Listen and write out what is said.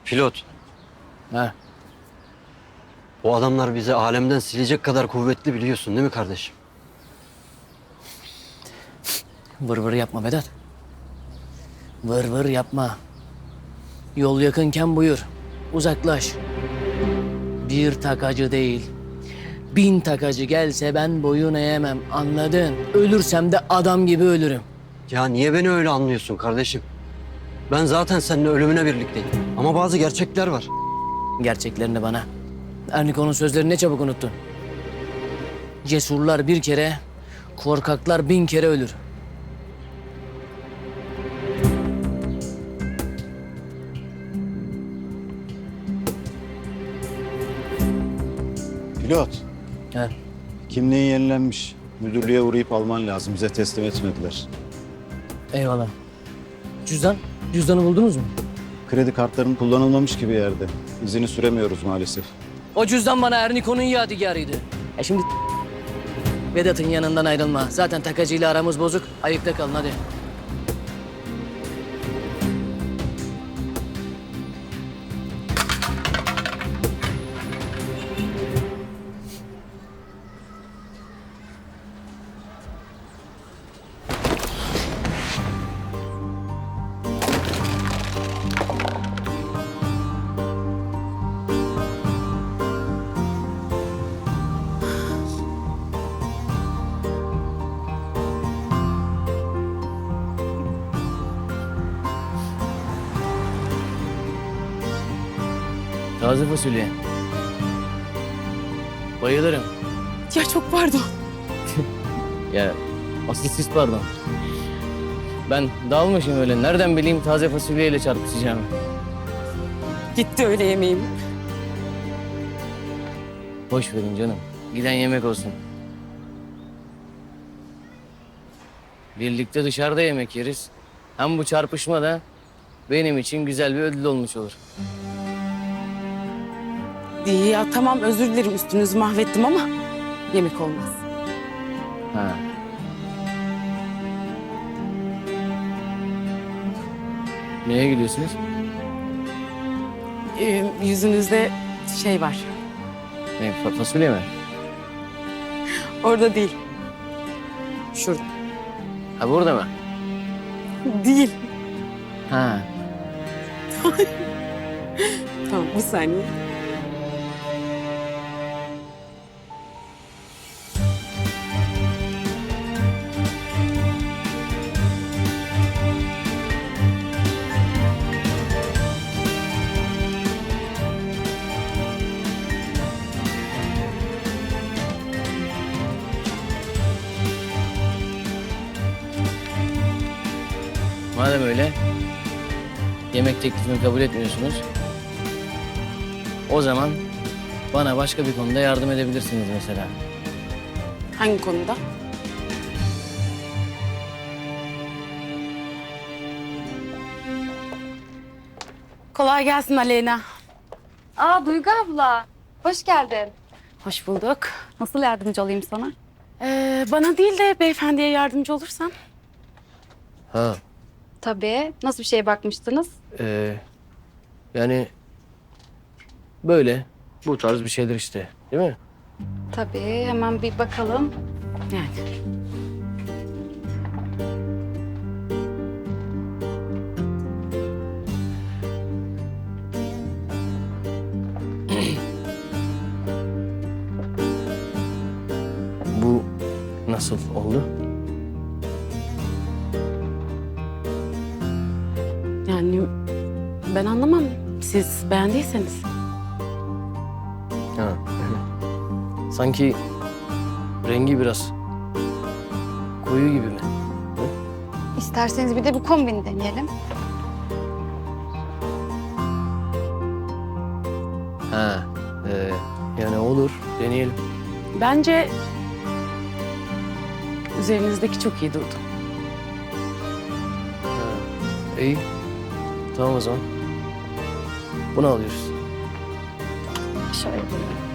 Pilot, Ha, bu adamlar bizi alemden silecek kadar kuvvetli biliyorsun değil mi kardeşim? vır vır yapma Vedat. Vır vır yapma. Yol yakınken buyur. Uzaklaş. Bir takacı değil, 1000 takacı gelse ben boyun eğemem. Anladın? Ölürsem de adam gibi ölürüm. Ya niye beni öyle anlıyorsun kardeşim? Ben zaten seninle ölümüne birlikteyim. Ama bazı gerçekler var. Gerçeklerini bana. Erniko'nun sözlerini ne çabuk unuttun. Cesurlar bir kere, korkaklar 1000 kere ölür. Pilot, Ha. kimliğin yenilenmiş. Müdürlüğe uğrayıp alman lazım. Bize teslim etmediler. Eyvallah. Cüzdan? Cüzdanı buldunuz mu? Kredi kartların kullanılmamış gibi yerde. İzini süremiyoruz maalesef. O cüzdan bana Erniko'nun yadigarıydı. Şimdi Vedat'ın yanından ayrılma. Zaten takacıyla aramız bozuk. Ayıkta kalın hadi. Taze fasulye. Bayılırım. Ya çok pardon. Ya asıl siz pardon. Ben dalmışım öyle. Nereden bileyim taze fasulyeyle çarpışacağımı. Gitti öyle yemeğim. Boş verin canım. Giden yemek olsun. Birlikte dışarıda yemek yeriz. Hem bu çarpışma da benim için güzel bir ödül olmuş olur. Ya tamam özür dilerim üstünüzü mahvettim ama yemek olmaz. Ha. Neye gidiyorsunuz? Yüzünüzde şey var. Ne, fasulye mi? Orada değil. Şurada. Ha burada mı? Değil. Ha. Tamam bir saniye. Madem öyle, yemek teklifimi kabul etmiyorsunuz. O zaman bana başka bir konuda yardım edebilirsiniz mesela. Hangi konuda? Kolay gelsin Aleyna. Aa Duygu abla, hoş geldin. Hoş bulduk. Nasıl yardımcı olayım sana? Bana değil de beyefendiye yardımcı olursan. Ha, Tabii. Nasıl bir şeye bakmıştınız? yani böyle bu tarz bir şeyler işte, değil mi? Tabii, hemen bir bakalım. Yani. Bu nasıl oldu? Yani ben anlamam. Siz beğendiyseniz. Ha. Sanki rengi biraz koyu gibi mi? İsterseniz bir de bu kombini deneyelim. Ha, yani olur, deneyelim. Bence üzerinizdeki çok iyi durdu. İyi, tamam o zaman. Bunu alıyoruz. Şöyle.